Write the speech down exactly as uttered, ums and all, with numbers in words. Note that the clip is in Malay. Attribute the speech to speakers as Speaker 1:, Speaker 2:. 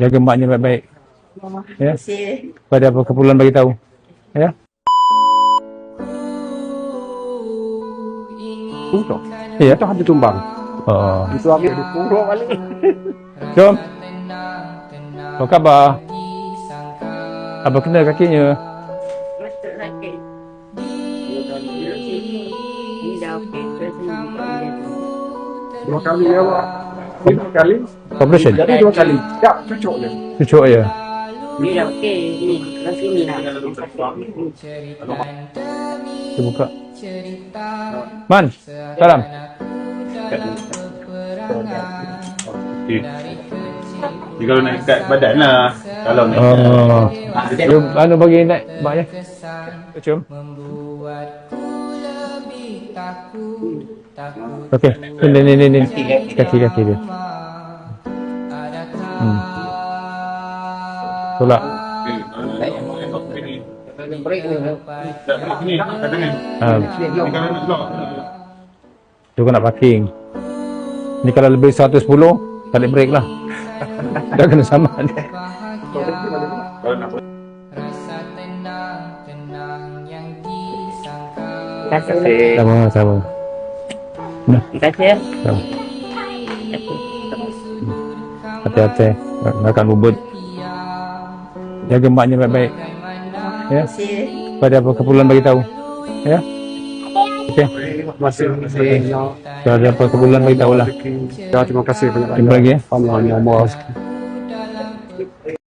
Speaker 1: Jaga maknya baik-baik. Ya.
Speaker 2: Kasih.
Speaker 1: Pada apa keperluan bagi tahu. Ya.
Speaker 3: Untuk.
Speaker 1: Ya.
Speaker 3: Itu hati tumbang.
Speaker 1: Oh.
Speaker 3: Itu aku dipuruk balik.
Speaker 1: Jom. Apa khabar? Apa kena kakinya?
Speaker 2: Masuk sakit. Ini dah okey. Terus ni buka dia.
Speaker 3: Dua kali ya, Pak. Dua kali.
Speaker 1: Operation?
Speaker 3: Jadi dua kali. Ya, cucuk je.
Speaker 1: Cucuk ya?
Speaker 2: Ni dah okey. Ni, kat sini lah.
Speaker 1: Kita buka. Man, salam.
Speaker 4: Okay. Jadi kalau nak ikat badan lah. Kalau nak
Speaker 1: Oh. Dia anu bagi naik maknya. Cium. Okey. Ni ni ni ni. Kaki-kaki dia. Hmm. Tolak.
Speaker 4: Ni kat tangan.
Speaker 1: Ah,
Speaker 4: Ni kalau nak lock.
Speaker 1: tu kau nak parking. Ni kalau lebih seratus sepuluh, tarik brake lah. Dah kena sama dia.
Speaker 4: Kalau nak
Speaker 2: Terima kasih.
Speaker 1: Sama, sama. Nah,
Speaker 2: Terima kasih ya.
Speaker 1: sama. Hati-hati. Makan bubut. Jaga maknya baik-baik. Ya.
Speaker 2: Kasih.
Speaker 1: Pada apa keperluan bagi tahu. Ya. Okey.
Speaker 3: Masih masih.
Speaker 1: Kalau ada apa keperluan bagi tahu lah.
Speaker 3: Ya, terima kasih banyak.
Speaker 1: Jumpa lagi ya.
Speaker 3: Allah, Allah.